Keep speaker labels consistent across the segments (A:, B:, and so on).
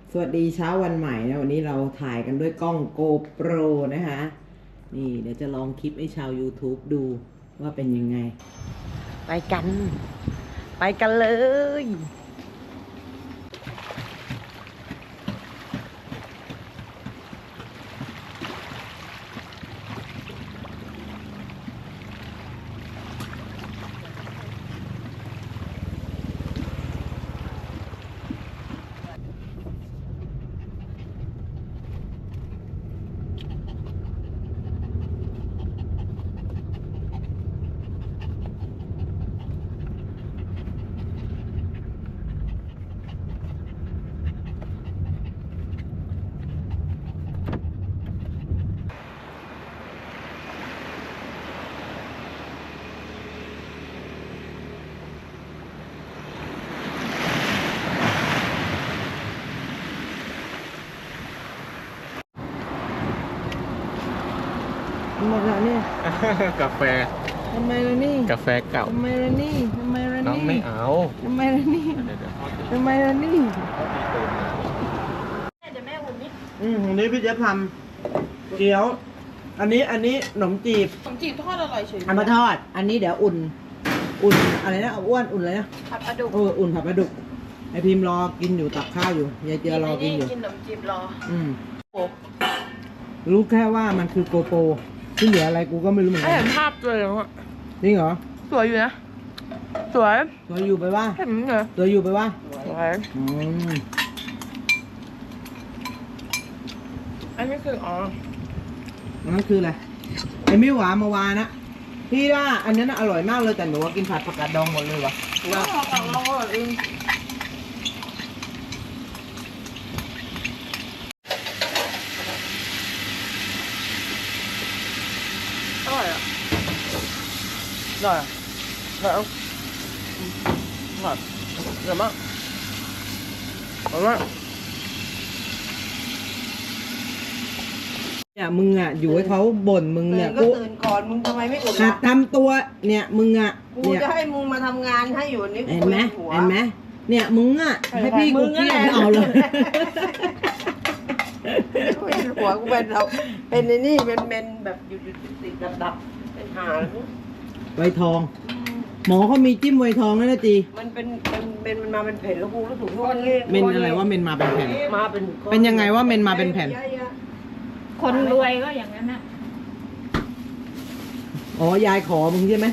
A: สวัสดีเช้าวันใหม่นะวันนี้เราถ่ายกันด้วยกล้อง GoPro นะคะนี่เดี๋ยวจะลองคลิปให้ชาว YouTube ดูว่าเป็นยังไงไปกันเลยหมดแล้วเนี่ย
B: กาแฟ
A: ทำไมล่ะนี่
B: กาแฟเก่า
A: ทำไมล่ะนี่ทำไมล่ะ
B: น้อง
A: นี่
B: ไม่เอา
A: ทำไมล่ะนี่
B: เดี๋ยวพ่อตี
A: ทำไมล่ะนี่
B: ตื่นมา
C: เดี๋ยวแม่อุ่นนิด
A: วันนี้พี่เจ๊ทำเกี๊ยวอันนี้ขนมจีบ
C: ขนมจีบทอดอร่อยเฉย
A: เอามาทอดอันนี้เดี๋ยวอุ่นอะไรนะอ้วนอุ่นอะไรนะ
C: ผัดปลาดุก
A: อุ่นผัดปลาดุกไอพิมพ์รอกินอยู่ตักข้าวอยู่ยายเจือรอกินอยู่
C: กินขนมจีบรอ โอ้
A: รู้แค่ว่ามันคือโกโปรที่เหลืออะไรกูก็ไม่รู้เหมือนกั
C: เห็
A: น
C: นภาพเลยอ่ะ
A: จริงเหรอ
C: สวยอยู่นะ สวย
A: ตัวอยู่ไปว่า
C: เห็นเหรอ
A: ตัวอยู่ไปว่า
C: สวย
A: อืม
C: อันนี้คืออ๋อ
A: นั่นคืออะไรไอมิวหวานมาวานะพี่ว่าอันนั้นน่ะอร่อยมากเลยแต่หนูว่ากินผัดผักกาดดองหมดเลยวะ
C: เราของเราอร่อยเองอร่อยอ่ะ
A: อร่อยอร่อยอร่อยอร่อยมากอร่อยมากเนี่ยมึงอ่ะอยู่ให้เขาบ่นมึง
D: ตื่
A: เนี่ย
D: นก็ตื่นก่อนมึงทำไมไม่อุ่น
A: หั
D: ล่ะ
A: ดทำตัวเนี่ยมึงอ่ะ
D: กู
A: เนี่ย
D: จะให้มึงมาทำงานให้อยู่นี่
A: เห็นไหม
D: หัว
A: เห็นไหมเนี่ยมึงอ่ะให้พี่กูเครียดเอาเลย
D: หัวกูเป็นเราเป็นในนี่เป็นแบบหยุดติดดับเป็นหาง
A: ไวทอง หมอเขามีจิ้มไวทองแล้วนะจี
D: มันเป็นมันมาเป็นแผ่นแล้วกูรู้สึกว่า
A: เมนอะไรว่าเมนมาเป็นแผ่น
D: มาเป็น
A: เป็นยังไงว่าเมนมาเป็นแผ่น
C: คนรวยก็อย่างนั้นนะ
A: อ๋อยายขอมึงใช่ไหม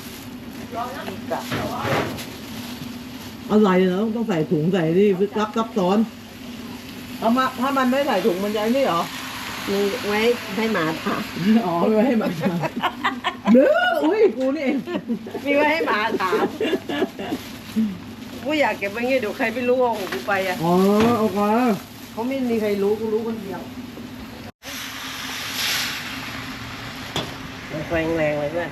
A: อะไรเนาะต้องใส่ถุงใส่นี่ซับซ้อนถ้ามันไม่ใส่ถุงมันจะไอ้นี่เหรอ
D: มีไว้ให้หมาทาน
A: อ๋อไม่ไว้ให้มันเด้ออุ้ยกูนี่เอง
D: มีไว้ให้หมาทานกูอยากเก็บไว้งี้เดี๋ยวใครไม่รู้ว่าของกูไปอ่ะ
A: อ๋อโอเค
D: เขาไม่มีใครรู้กูรู้คนเดียวแรงเลยเพื่อน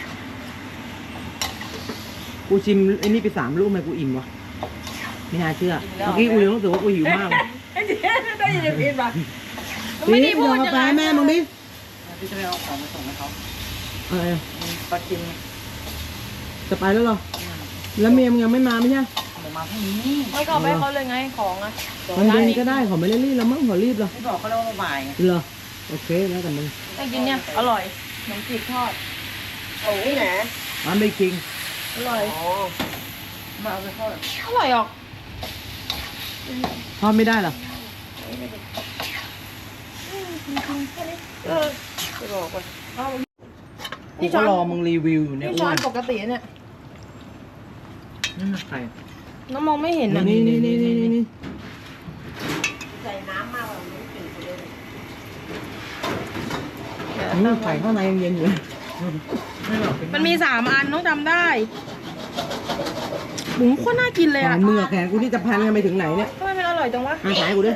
A: กูชิมไอ้นี่ไป3 ลูกทำไมกูอิ่มวะไม่น่าเชื่อเมื่อกี้กูยังรู้สึกว่ากูหิวมากเลย
D: ไอ้เจ๊ได้ยินผิดป่ะ
C: ไม่ได้พูด
A: เอา
C: อย่าง
A: กาแฟ
C: นั้น
A: แม่มึงดิ
B: พี่จะไปเอาของมาส่งให้เขา
A: อะไรอะ
B: ปลากิน
A: จะไปแล้วเหรอแล้วเมียมึงยังไม่มาไม่ใช่
B: เดี๋ยวมาพรุ่งนี้
C: ไม่ก็เอาไปให้เขาเลยไงของอ่ะ
A: ตอนเย็นก็ได้ขอไม่ได้รีบแล้วมั้งขอรีบเหรอ
B: ไม่บอกเขาแล้วว่าบ่ายไง
A: เหรอโอเคแล้วแต่มึง
C: ไปกินเนี่ย อร่อยขนมจีบทอด
D: โอ้ยแหน
A: ร้านเบคิง
C: อร่อย
D: อ๋อ
B: มาเอาไปทอด
C: อร่อยออก
A: ทอดไม่ได้เหรอ
D: จะบอกว่า
A: กูก็รอมึงรีวิวอยู่เนี่ย
C: นี่
A: อ้
C: ช้อ
A: วน น
C: ปกติเนี่ย
B: นี่มันไข่
C: น้องมองไม่เห็นนะ
A: นี่
D: ใส่น้ำมากกว่านี้จืดเลย
A: ไข่ข้างในยังเย็นอยู่เลย
B: ไม่หรอกเป็
C: มันมี3 อันต้องจำได้หมูโคตรน่ากินเลย
A: ห
C: อ่ะ
A: วานมือแขนกูที่จะพันกันไปถึงไหนเนี่ย
C: ทำไมมันอร่อยจังวะ
A: อาขายกูด้วย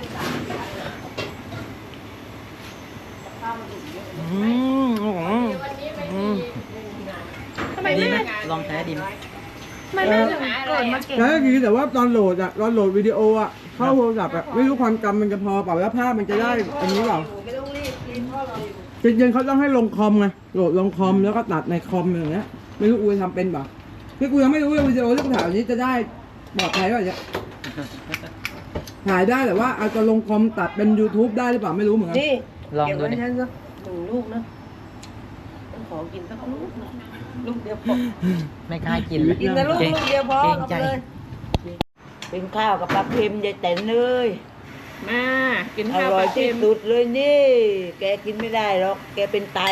A: อืม
C: ทำไมแม่
B: ลองแท้ดิม
C: ทำไมแม่ถึงเกิดมาเก่ง
A: แล้วก็คือแต่ว่าตอนโหลดวิดีโออ่ะเข้าโทรศัพท์อ่ะไม่รู้ความจำมันจะพอเปล่าแล้วภาพมันจะได้อันนี้เปล่า
D: ไม่ต้องรีบกินเพราะเราอยู่
A: จริงๆเขาต้องให้ลงคอมไงโหลดลงคอมแล้วก็ตัดในคอมอย่างเงี้ยไม่รู้กูจะทำเป็นเปล่าคือกูยังไม่รู้ว่าวิดีโอที่กูถ่ายนี้จะได้ปลอดภัยป่ะเนี่ยถ่ายได้แต่ว่าเอาจะลงคอมตัดเป็น YouTube ได้หรือเปล่าไม่รู้เหมือนกัน
D: นี่
B: ลอง
D: เก็บ
B: ดู
D: ไว้
B: ดิ
D: ฉันสักหนึ่งลูกนะต้องขอกินสักลูกนะลูกเดียวพอ
B: ไม่กล้ากินเลย
D: กินนะลูก
B: เกรง
D: ลูกเดียวพอ
B: เกรง
D: เอา
B: ใจ
D: ไปเลย
E: เป็นข้าวกับปลาเค็มยายแตนเลย
C: มากิน
E: อ
C: ข้าว
E: ร่อย
C: ปลา
E: ที่
C: เค็ม
E: สุดเลยนี่ แกกินไม่ได้หรอก แกเป็นไต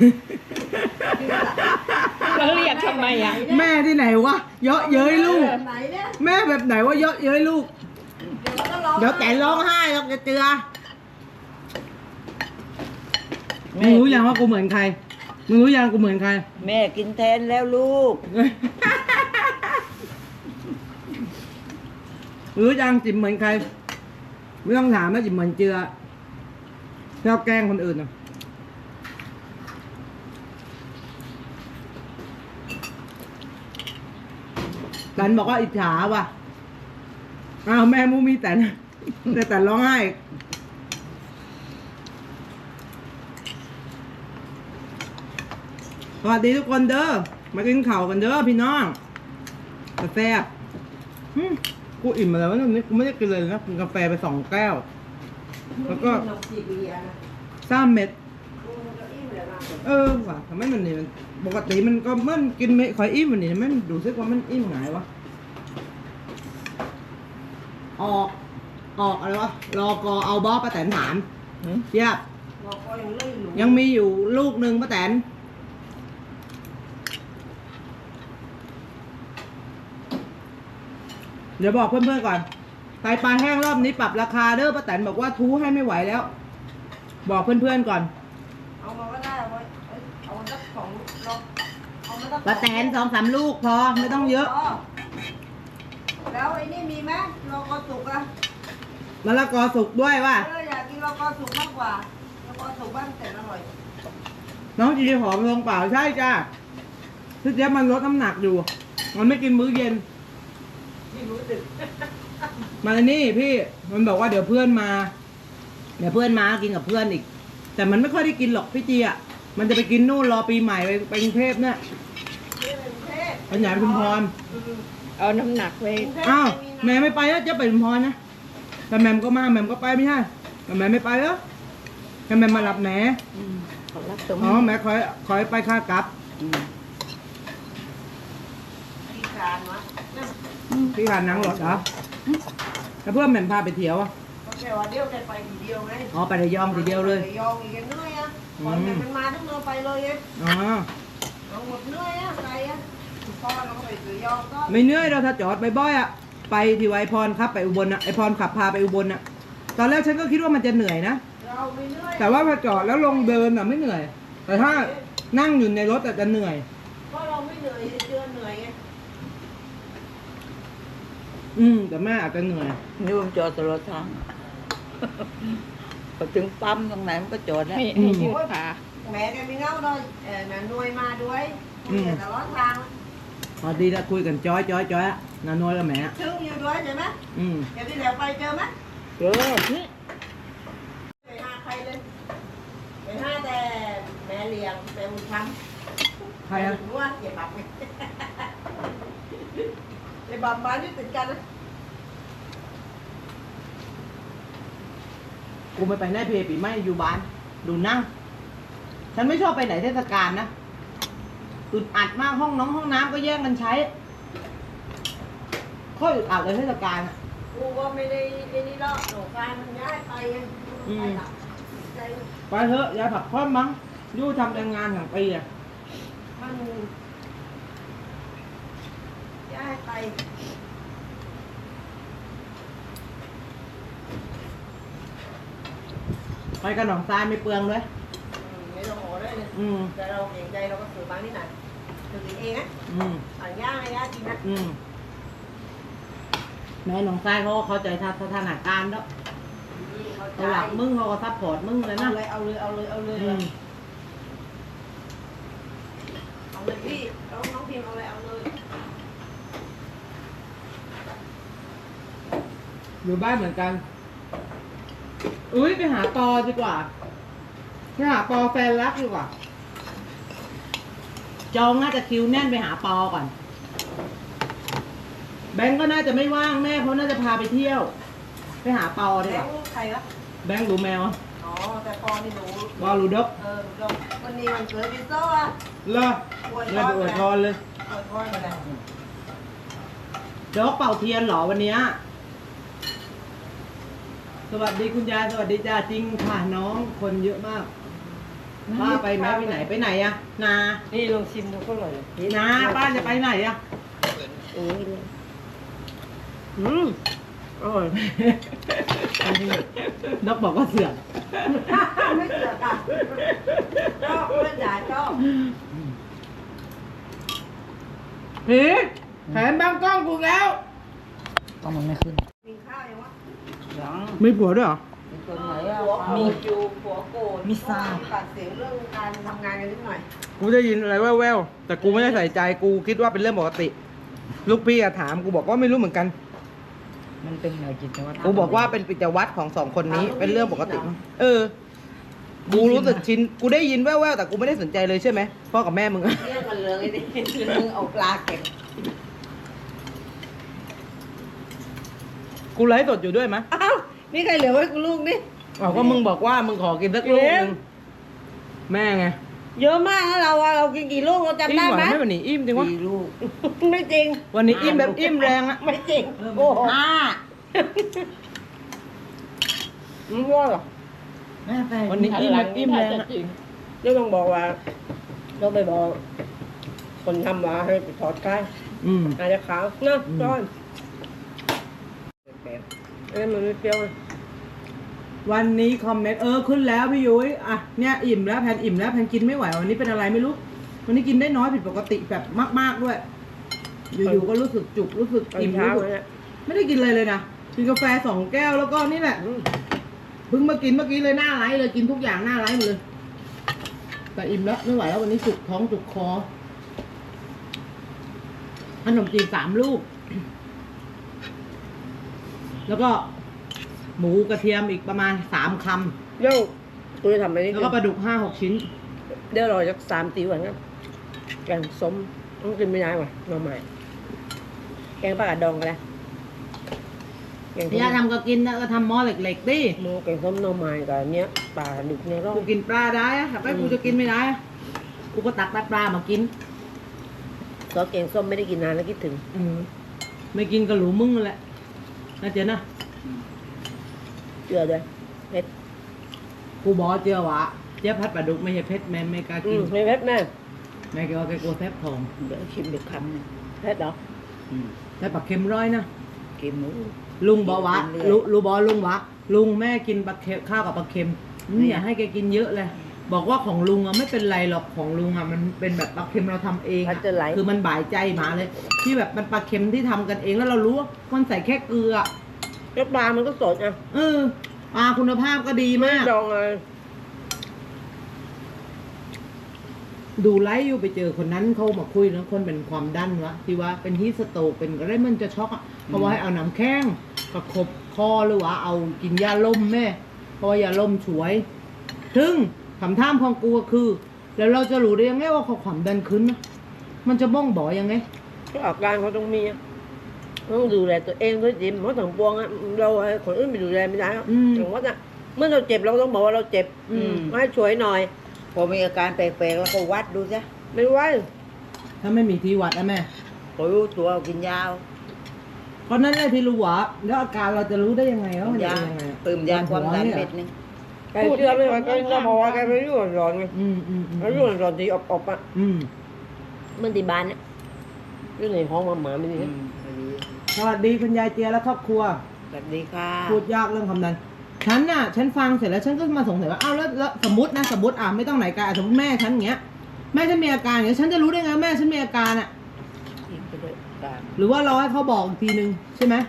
C: แล้วเรียกทำไมอ่ะ
A: แม่ที่ไหนวะเยอะเย้ยลูก
D: ไหนเนี่ย
A: แม่แบบไหนว่าเยอะเย้ยลูก
D: เดี๋ยวก็ร้อง
A: เดี๋ยวแต่ร้องไห้หรอกจะเจือ
E: แม่
A: มึงรู้ยังว่ากูเหมือนใครมึงรู้ยังกูเหมือนใคร
E: แม่กินแทนแล้วลูก
A: รู้ยังจิ๋มเหมือนใครไม่ต้องถามนะจิ๋มเหมือนเจือชอบแกล้งคนอื่นนะแตนบอกว่าอิจฉาว่ะอ้าวแม่มูมีแตนแต่แตนร้องไห้สวัสดีทุกคนเด้อมากินข้าวกันเด้อพี่น้องกาแฟบกูอิ่มมาแล้ววันนี้กูไม่ได้กินเลยนะกินกาแฟไป2 แก้ว แล้วก็
D: นมจีบเบียร์นะ
A: 3 เม็ด
D: กูจะอิ่มเลยนะ
A: ว่ะทำไมมันนี่มันปกติมันก็มันกินไม่ค่อยอิ่มวันนี้มันดูซึกว่ามันอิ่มไงวะออกอะไรวะรอกอเอาบอป้าแตนถามเทียบ
D: เราก็ยังเล่นอยู่
A: ยังมีอยู่ลูกหนึ่งป้าแตนเดี๋ยวบอกเพื่อนๆก่อนไตปลาแห้งรอบนี้ปรับราคาเด้อป้าแตนบอกว่าทูให้ไม่ไหวแล้ว บอกเพื่อนๆก่อน
D: เอามาก็ได้เอาไว้เอาสัก2เราเอามาสัก
A: ป้าแตน2-3 ลูกพอไม่ต้องเยอะ
D: แล้วไอ้นี่มีไหมเราก็สุกอะ
A: มะละกอสุกด้วยว่ะ
D: อยากกินเราก็สุกมากกว่าเราก็สุกบ้างแต่อร่อย
A: น้องจีหอมลงเปล่าใช่จ้าพี่เจ๊ยบมันลดน้ำหนักอยู่ มันไม่กินมื้อเย็น
D: ไม่รู้สึก
A: มานี่พี่มันบอกว่าเดี๋ยวเพื่อนมาเดี๋ยวเพื่อนมากินกับเพื่อนอีก แต่มันไม่ค่อยได้กินหรอกพี่จีอ่ะมันจะไปกินนู่นรอปีใหม่ไปกรุงเทพเนี่ย
D: นี่เป็นเทพ
A: ไปไหนไปชุมพร
C: เอาน้ำหนักไป
A: อ้าวแม่ไม่ไปแล้วจะไปชุมพรนะแต่แม่มก็มาแม่มก็ไปไม่ใช่แต่แม่ไม่ไปแล้วแต่แม่มารับแหน
E: ขอรับตรง
A: อ๋อแม่คอยไปค่ากลับ
D: อีสานวะ
A: พี่ผ่านนังรถเหรอแล้วเพื่อนแม่มพาไปเที่ยวอ่ะ
D: ก็แค่ว่าเดียวได้ไปทีเดียวไง
A: อ๋อไประยองทีเดียวเลย
D: ระยองอีกเหนื่อยอะก่อนแต่มันมาทั้งเมืองไปเลยไง
A: อ๋อ
D: เราหมดเหนื่อยอะไกลอะพ่อเราก็ไประยองก็
A: ไม่เหนื่อยเราถ้าจอดบ่อยๆอ่ะไปที่ไวพรครับไปอุบลอ่ะไอพรขับพาไปอุบลอ่ะตอนแรกฉันก็คิดว่ามันจะเหนื่อยนะ
D: เราไม่เหนื่อย
A: แต่ว่าพอจอดแล้วลงเดินอ่ะไม่เหนื่อย แต่ถ้านั่งอยู่ในรถอาจจะเหนื่อย
D: เพราะเราไม่เหนื่อยเดือนเหนื่อยไง
A: แต่แม่อาจจะเหนื่อย
E: นี่มันจอดตลอดทาง พอถึงปั๊มตรงไหนมันก็จอดแล้ว
C: ให้ยืดขา
D: แม่แกมีเงาด้วยน่ะหน่วยมาด้วยแต่ร้อนทาง
A: พอดีแล้วคุยกันจ้อยอ่ะนานอยกับแม่
D: ซึ่งอยู่ด้วยใช่ไหม
A: อืม
D: แกที่แล้วไปเจอไหม
E: เออ
D: ไปหาใครเลยไปหาแต่แม่เลี้ยงแม่บุญธรรม
A: ใครอ่ะ
D: รู้ว่าอย่าบับไงไอ้บับมาที่ติดกันนะ
A: กูไม่ไปไหนเพปีไม่อยู่บ้าน ดูนั่ง ฉันไม่ชอบไปไหนเทศกาลนะอึดอัดมากห้องน้ำก็แย่งกันใช้ค่อยอึดอัดเลยเทศกาลอะ
D: กูก็ไม่ได้ไอ้นี่หรอกหนูการมันย้ายไปไงไปหลับใจ
A: ไปเถอะยายผักค้อมมั้งยู่ทำแต่งานของปีอ่ะ
D: มันย้ายไป
A: ไปกับหนองทรายไม่เปลืองด้วย
D: ไม่ต้องโหด้วยเลย
A: อืม
D: แต่เราเก่งใจเราก็ซื้อบางนิดหน่อยซื้อกินเองนะ
A: อืม
D: อ่านย่างให้ย่ากินนะ
A: แม่หนองทรายเขาก็เข้าใจสถานการณ์แล้ว
D: เขา
A: เขาหลักมึงเขาก็ซัพพอร์ตมึงเลยนะ
D: เอาเลยเอาเลยเอาเลย
A: อืม
D: เอาเลยพี่น้องพิมพ์เอาเลยเอาเลย
A: อยู่บ้านเหมือนกัน อุ้ยไปหาปอดีกว่าไปหาปอแฟนรักดีกว่า จองน่าจะคิวแน่นไปหาปอก่อน แบงก์ก็น่าจะไม่ว่างแม่เขาน่าจะพาไปเที่ยว ไปหาเปาดี
D: แบ
A: ก
D: ง
A: ว่า
D: ค์ใครวะ
A: แบงค์รู้แมว
D: อ๋อแต่พอนี่หนู
A: บอลรู้ดก
D: หนูวันนี้มันเกิดดิโซ่อะ
A: เลอเลยอวยพรเลย
D: อวยพรมาแล้ว
A: ดกเป่าเทียนเหรอวันเนี้ยสวัสดีคุณยายสวัสดีจ้าจริงค่ะน้องคนเยอะมากป้าไปไหมไปไหนอะนา
C: นี่ลองชิมดูก็อร่อย
A: นาป้าจะไปไหนอะ
C: อืมอร่อย
A: นกบอกว่าเสือก
D: ไม่เสือกอ่ะชอบเพื่อนจ๋าชอบ
A: ผีแถมบางกล้องกูแล้ว
B: ก็มันไม่ขึ้น
D: กินข้าวยังวะ
E: ยัง
A: มีผัวด้วยเหรอ
E: มีคนไหนอ่ะ
D: หัวโกรธอยู่หัวโกรธ
B: มีทราบ
D: ตัดเสียงเรื่องการทำงานกันนิดหน่อย
A: กูได้ยินอะไรแว่วๆแต่กูไม่ได้ใส่ใจกูคิดว่าเป็นเรื่องปกติ ลูกพี่อะถามกูบอกว่าไม่รู้เหมือนกัน
B: มันเป็นหน่วยจิตวัตร
A: กูบอกว่าเป็นกิจวัตรของสองคนนี้เป็นเรื่องปกติ เออ กูรู้สึกชิน กูได้ยินแว่วๆแต่กูไม่ได้สนใจเลยใช่ไหมพ่อกับแม่มึงอะ
D: เรื่องมันเรื่องไอ้นี่เรื่องเอาปลาเก็บ
A: กูไลฟ์สดอยู่ด้วยไหม
D: อ้าวนี่ใครเหลือไว้กูลูกนี่
A: อ๋อก็มึงบอกว่ามึงขอกินสักลูกนึงแม่ไง
D: เยอะมากนะเราอะเรากินกี่ลูกเราจำ
A: อิ่
D: ได้
A: ม
D: ไหม
A: ไม่วันนี้อิ่มจริงวะ
E: มีลูก
D: ไม่จริง
A: วันนี้อิ่มแบบอิ่มแรงอะ
D: ไม่จริงโอ้โห
C: ไม่ว่าหรอ
B: แม่แต่
A: วันนี้อิ่มแบบอิ่มแรงอะ
C: เดี๋ยวต้องบอกว่าต้องไปบอก คนทำว่าให้ไปถอดไก่
A: อืม
C: อาจจะขาวนะก้อนอันนี้มันไม่เปรี้ยวเลย
A: วันนี้คอมเมนต์ขึ้นแล้วพี่ยุ้ยอ่ะเนี่ยอิ่มแล้วแพนอิ่มแล้วแพนกินไม่ไหววันนี้เป็นอะไรไม่รู้ วันนี้กินได้น้อยผิดปกติแบบมากๆด้วย อยู่ๆก็รู้สึกจุกรู้สึก
C: ตอน
A: อิ่ม
C: เช้า
A: รู้สึก
C: เนี่ย
A: ไม่ได้กินอะไรเลยนะกินกาแฟ2 แก้วแล้วก็นี่แหละเพิ่งมากินเมื่อกี้เลยหน้าไลฟ์เลยกินทุกอย่างหน้าไลฟ์หมดเลยแต่อิ่มแล้วไม่ไหวแล้ววันนี้จุกท้องจุกคอขนมจีน3 ลูก แล้วก็หมูกระเทียมอีกประมาณ3 คำ
C: เดี๋ยวกูจะทำอะไรนี่
A: แล้วก็ปลาดุก5-6 ชิ้น
C: เดี๋ยวรอสัก3 ตีวันครับแกงส้มต้องกินไม่ได้ว่ะหน่อไม้แกงปลากระดองกันนะแกงส้ม
A: ย่าทำก็กินนะก็ทำหม้อเหล็กๆดิ
C: หมูแกงส้มหน่อไม้กับอันเนี้ยปลาดุกเนี่ยร้อ
A: กู
C: ง
A: กินปลาได้อะแต่กูจะกินไม่ได้อะกูก็ตักปลามากิน
C: ซอสแกงส้มไม่ได้กินนานแล้วคิดถึง
A: ไม่กินก็หลูมึงนั่นแหละน่าเจ๊นะ
C: เกลือด้วยเผ็ด
A: กูบอกเจียวะเจ๊พัดปลาดุกไม่ใช่เพชรแม่ไม่กล้ากิน
C: ไม่เผ็ดแม่
A: แม่แกว่าแกกลัวแซ่บทอง
E: เดี๋ยวชิมเด็กคำหนึง
C: เผ็ดเหรอ
A: แต่ปลาเค็มร้อยนะ
E: กินหมู
A: ลุงบอกวะ
E: กินเรื่อย
A: ลุงบอกลุงวะลุงแม่กินปลาเค็มข้าวกับปลาเค็มนี่อย่าให้แกกินเยอะเลย บอกว่าของลุงอะไม่เป็นไรหรอกของลุงอะมันเป็นแบบปลาเค็มเราทำเอง
C: มั
A: อะ
C: นจะไหล
A: คือมันบ่ายใจหมาเลย ที่แบบมันปลาเค็มที่ทำกันเองแล้วเรารู้ว่ามันใส่แค่เกลือ
C: แล้วปลามันก็สดอ่ะ
A: ปลาคุณภาพก็ดีมาก
C: ดองเลย
A: ดูไลฟ์อยู่ไปเจอคนนั้นเขามาคุยนะคนเป็นความดันวะที่ว่าเป็นฮีทสโตรกเป็นอะไรมันจะช็อกอ่ะเพราะว่าให้เอาน้ำแข้งประคบคอหรือว่าเอากินยาลมแม่เพราะว่ายาลมช่วยถึงคำถามของกูก็คือ แล้วเราจะรู้ได้ยังไงว่าเขาความดันขึ้นนะมันจะบ้องบอกยังไง
C: ก็อาการเขาต้องมีอะต้องดูแลตัวเองด้วยจิมเพราะถังปวงอะเราให้คนอื่นไปดูแลไม่ได้หรอกอย่างว่าน่ะเมื่อเราเจ็บเราต้องบอกว่าเราเจ็บมาให้ช่วยหน่อย
E: พอมีอาการแปลกๆแล้วก็วัดดูจ้ะ
C: ไม่ไหว
A: ถ้าไม่มีที่วัดนะแม่
E: พอรู้ตัวกินยา
A: เพราะนั้นไอ้ที่รู้ว่าแล้วอาการเราจะรู้ได้ยังไงว่ามัน
E: ยา
A: เป็นยังไงอะ
E: เติมยาความดันเม็ดนึง
C: แกเชื่อไม่ไหวก็จะบอกว่าแกไปยุ่งร้อนไง
A: อืม
C: แล้วยุ่งร้อนที่อบๆอ่ะ
A: อืม
C: มันที่บ้านเนี่ยยุ่งในห้องหมาไม่ดี
A: สวัสดีคุณยายเจียและครอบครัว
E: สวัสดีค่ะ
A: พูดยากเรื่องความดันฉันฟังเสร็จแล้วฉันก็มาสงสัยว่าอ้าวแล้วสมมติไม่ต้องไหนไกลสมมติแม่ฉันอย่างเงี้ยแม่ฉันมีอาการอย่างเงี้ยฉันจะรู้ได้ไงว่าแม่ฉันมีอาการอ่ะ
E: กินไปด้วยกัน
A: หรือว่าเราให้เขาบอกอีกทีนึงใช่ไหม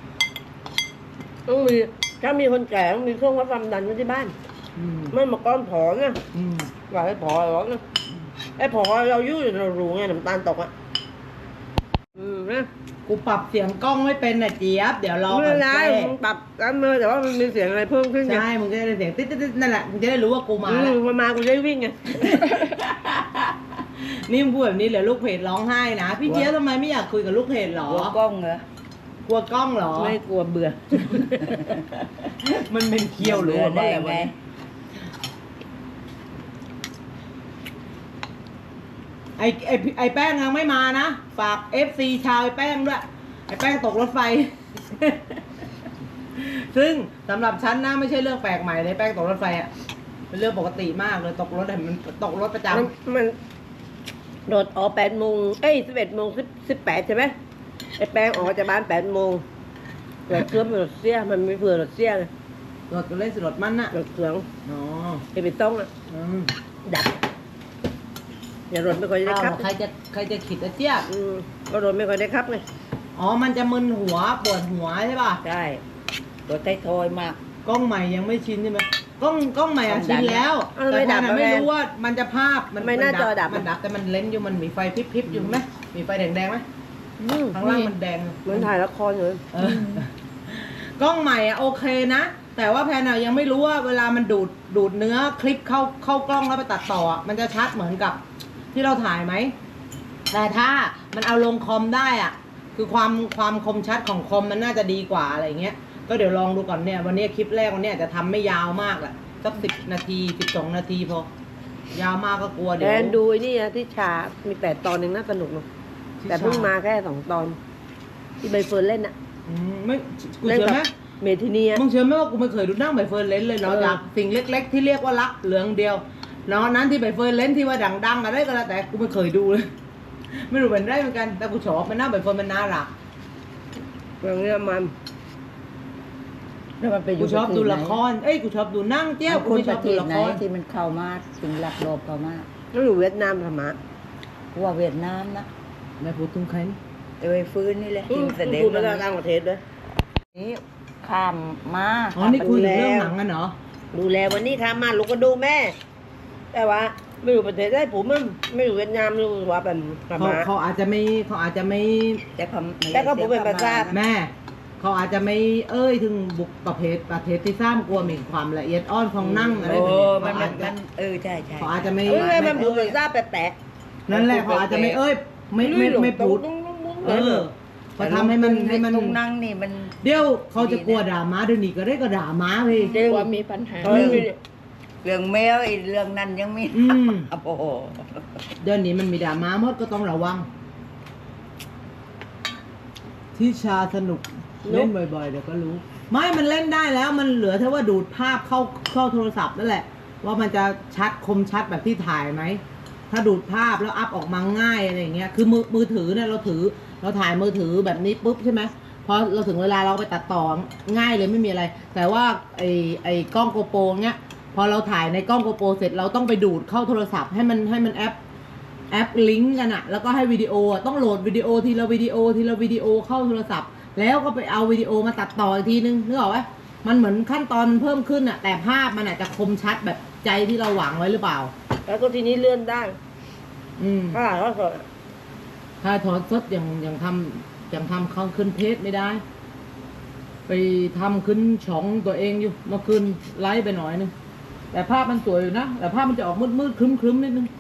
C: ต้องมีถ้ามีคนแก่ต้องมีเครื่องวัดความดันไว้ที่บ้าน
A: อืม
C: ไม่มาก้อนผอนะ
A: อืม
C: ว่าให้ผอหรอกนะไอ้ผอเรายุ่งเรารู้ไงน้ำตาลตกอ่ะนะ
A: กูปรับเสียงกล้องไม่เป็นน่ะเจี๊ยบเดี๋ยวรอ
C: ไม่
A: ก่อ
C: เป็น นไร
A: แก้
C: มึงปรับกันเลยแต่ว่ามันมีเสียงอะไรเพิ่มขึ้นไง
A: ใช่มึงจะได้เสียงติ๊ดนั่นแหละมึงจะได้รู้ว่ากูมาแล้ว
C: มันมากูจะได้วิ่งไง
A: นี่มึงพูดแบบนี้เหลือลูกเพจร้องไห้นะพี่เจี๊ยบทำไมไม่อยากคุยกับลูกเพจหรอ
E: หัวกล้องเหรอ
A: กลัวกล้องเหรอ
C: ไม่กลัวเบื่อ
A: มันเป็นเคี้ยวหรือว่า
E: ได้
A: อะไร
E: ไง
A: วะไอแป้งยังไม่มานะ ฝาก FC ชาวไอแป้งด้วย ไอแป้งตกรถไฟ ซึ่งสำหรับฉันนะไม่ใช่เรื่องแปลกใหม่เลยแป้งตกรถไฟอ่ะ เป็นเรื่องปกติมากเลยตกรถอะมันตกรถประจำ
C: มันโดดออก8 โมง 11 โมง 18ใช่ไหมไอ้แป้งออกจากบ้าน8 โมงรถเครื่องรถเสียมันไม่เผื่อรถเสียเลย
A: รถก็เล่นสิรถมันน่ะ
C: รถเครื่อง
A: อ๋อ
C: ไอ้ไปต้องอ่ะ
A: อืม
C: ดับอย่ารถไม่ค่อยได้
A: เอา
C: ครับ
A: ใครจะขิดอะเจี๊ยบ
C: ก็รถไม่ค่อยได้ครับไง
A: อ๋อ มันจะมึนหัวปวดหัวใช่ป่ะ
E: ใช่ตัวไททอยมาก
A: กล้องใหม่ยังไม่ชินใช่ไหมกล้องใหม่อะ
E: กล้อง
A: ชิน
E: ดัง
A: แล้ว แต่แพนอะไม่รู้ว่ามันจะภาพ
C: ไม่หน้าจอดับ
A: มันดับแต่มันเล้นอยู่มันมีไฟพริบๆอยู่ไหมมีไฟแดงๆไหมข้างล่างมันแดง
C: เหมือนถ่ายละครอยู่เลย
A: เออกล้องใหม่อะโอเคนะ แต่ว่าแพนอะยังไม่รู้ว่าเวลามันดูดเนื้อคลิปเข้ากล้องแล้วไปตัดต่ออะมันจะชัดเหมือนกับที่เราถ่ายไหม แต่ถ้ามันเอาลงคอมได้อะคือความคมชัดของคอมมันน่าจะดีกว่าอะไรเงี้ย ก็เดี๋ยวลองดูก่อนเนี่ยวันนี้คลิปแรกวันนี้อาจจะทำไม่ยาวมากแหละสัก10 นาที 12 นาทีพอยาวมากก็กลัวเดี๋
C: แด
A: ยวน
C: ดูไอ้นี่นะที่ชา มี8 ตอนหนึ่งน่าสนุกเนอะแต่เพิ่งมาแค่2 ตอน ที่ใบเฟิร์นเล่นอะ
A: ไม่กู
C: เล่น
A: เชื่อ
C: กับ
A: ไหม
C: เมทินีอะ
A: มึงเชื่อไหมว่ากูไม่เคยดูหนั่งใบเฟิร์นเล่นเลยเนาะ
C: เออ
A: จากสิ่งเล็ก ๆ ที่เรียกว่ารักเหลืองเดียวเนาะนั้นที่ใบเฟิร์นเล่นที่ว่าดังๆอะไรก็แล้วแต่กูไม่เคยดูเลย ไม่รู้เป็นไรเหมือนกันแต่กูชอบมันน่าใบเฟิร์นมันน่ารัก
C: เรื่องนี้มัน
E: แล้วมันไปอ
A: กู
E: ยู่
A: ชอบ
E: ประเทศ
A: ดู
E: ไหน
A: ละคร เอ้ย กูชอบดูหนั่งเจ้า
E: เอา
A: กู
E: คน
A: ไม่ช
E: ป
A: อบ
E: ระเท
A: ดู
E: ศ
A: ละ
E: ไหน
A: คร
E: ที่มันเข้ามาถึงหลักโลบเข้ามา
C: ต้องอยู่เวียดนามธรรมะ
E: ว่าเวียดนามนะ
A: ไม่พูดถึงใครนี่
E: ไอ้ไอ้ฟื้นนี่แหละที่มันแสดง
C: พูดไป
E: เรื่อง
C: ต่าง
E: นี้
C: ประเทศด้วย
E: นี่ข้ามมา
A: อ๋อ นี่คุยถึงเรื่องหนังกันเหรอ
C: ดูแลวันนี้ทำมาลูกก็ดูแม่ แต่ว่าไม่รู้ประเทศได้ผมมันไม่รู้เวียดนามไม่รู้ว่าเป็นธรร
A: เขา
C: มะ
A: เขาอาจจะไม่
E: แต่เขา
C: แต่เขาบอกเป็นภาษา
A: แม่ เขาอาจจะไม่เอ้ยถึงบุกประเภทที่สร้างกลัวมีความละเอียดอ่อนของนั่งอะไร
E: โอ้
A: แบบนี้
E: มันใช่ใช่
A: เขาอาจจะไม่
C: เอ้ยมันพูดภาษาแปลก
A: นั่นแหละเขาอาจจะไม่เอ้ยไม่พูด เออเขาทำให้มัน
E: ตรงนั่งนี่มัน
A: เดี๋ยวเขาจะกลัวด่าม้าเดี๋ยวนี้ก็ได้ก็ด่าม้าพี่
C: จริง
B: ว่ามีปัญหา
C: เออ
E: เรื่องแมวไอ้เรื่องนั้นยังไม่
A: อืม
E: โอ้โห
A: เดี๋ยวนี้มันมีด่าม้าหมดก็ต้องระวัง ที่ชาสนุกเล่นบ่อยๆเดี๋ยวก็รู้ ไม่มันเล่นได้แล้วมันเหลือแค่ว่าดูดภาพเข้าโทรศัพท์นั่นแหละ ว่ามันจะชัดคมชัดแบบที่ถ่ายไหม ถ้าดูดภาพแล้วอัพออกมาง่ายอะไรอย่างเงี้ยคือมือถือเนี่ยเราถ่ายมือถือแบบนี้ปุ๊บใช่ไหมพอเราถึงเวลาเราไปตัดต่อง่ายเลยไม่มีอะไร แต่ว่าไอ้กล้องโกโปรเงี้ยพอเราถ่ายในกล้องโกโปรเสร็จเราต้องไปดูดเข้าโทรศัพท์ให้มันแอปลิงก์กันอะแล้วก็ให้วิดีโออะต้องโหลดวิดีโอทีละวิดีโอเข้าโทรศัพท์ แล้วก็ไปเอาวิดีโอมาตัดต่ออีกทีนึงนึกออกไหมมันเหมือนขั้นตอนเพิ่มขึ้นอะแต่ภาพมันอาจจะคมชัดแบบใจที่เราหวังไว้หรือเปล่า
C: แล้วก็ทีนี้เลื่อนได้
A: อืม
C: ถ้าเขาสด
A: ถ้าถอดสดยังทำเข้าขึ้นเพจไม่ได้ ไปทำขึ้นช่องตัวเองอยู่เมื่อคืนไลฟ์ไปหน่อยนึงแต่ภาพมันสวยอยู่นะแต่ภาพมันจะออกมืดครึ้มนิดนึง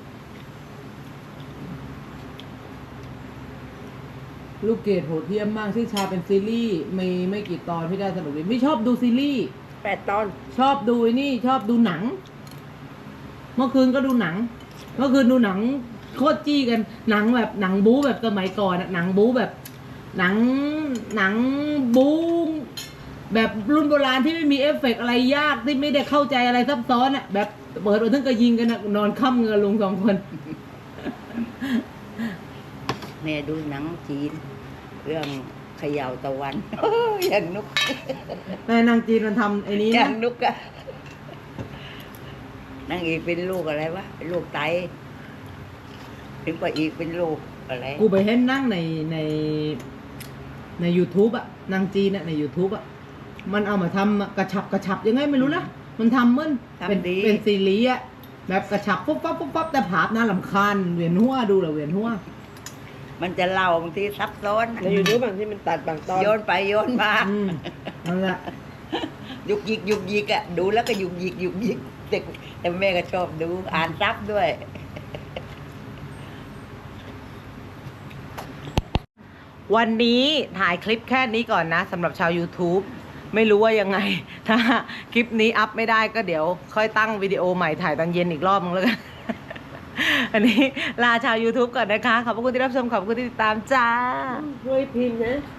A: ลูกเกดโหดเหี้ยมมากที่ชาเป็นซีรีส์มีไม่กี่ตอนที่ได้สนุกดีไม่ชอบดูซีรีส์
C: 8 ตอน
A: ชอบดูไอ้นี่ชอบดูหนัง เมื่อคืนก็ดูหนัง เมื่อคืนดูหนังโคตรจี้กันหนังแบบหนังบู๊แบบสมัยก่อนอะหนังบู๊แบบหนังบู๊แบบรุ่นโบราณที่ไม่มีเอฟเฟกต์อะไรยากที่ไม่ได้เข้าใจอะไรซับซ้อนอะแบบเปิดมาถึงก็ยิงกันอะนอนค่ำเงินลง2 คน
E: แม่ดูหนังจีน เรื่องเขย่าตะวัน อย่างนุก
A: แต่นางจีนมันทำไอ้นี้
E: อย่า
A: นะ
E: งนุกอะนางเอกเป็นลูกอะไรวะเป็นลูกไตถึงกว่าอีกเป็นลูกอะไร
A: กูไปเห็นนั่งใน YouTube อะนางจีนอะใน YouTube อะมันเอามาทำกระชับยังไงไม่รู้นะมันทำเหมือนเป็นซีรีส์อะแบบกระชับปุ๊บปั๊บแต่ภาพน่ารำคาญเวียนหัวดูแล้วเวียนหัว
E: มันจะเล่าบางทีซับซ้อน
C: ในยูทูบบางที่มันตัดบางตอน
E: โยนไปโยนมา
A: นั่นแหละ
E: ยุกยิกอะดูแล้วก็ยุกยิกแต่แม่ก็ชอบดูอ่านซับด้วย
A: วันนี้ถ่ายคลิปแค่นี้ก่อนนะสำหรับชาว YouTube ไม่รู้ว่ายังไง ถ้าคลิปนี้อัพไม่ได้ก็เดี๋ยวค่อยตั้งวิดีโอใหม่ถ่ายตอนเย็นอีกรอบนึงแล้วกัน อันนี้ลาชาว YouTube ก่อนนะคะ ขอบคุณที่รับชม ขอบคุณที่ติดตามจ้า
C: ช่วยพิมพ์นะ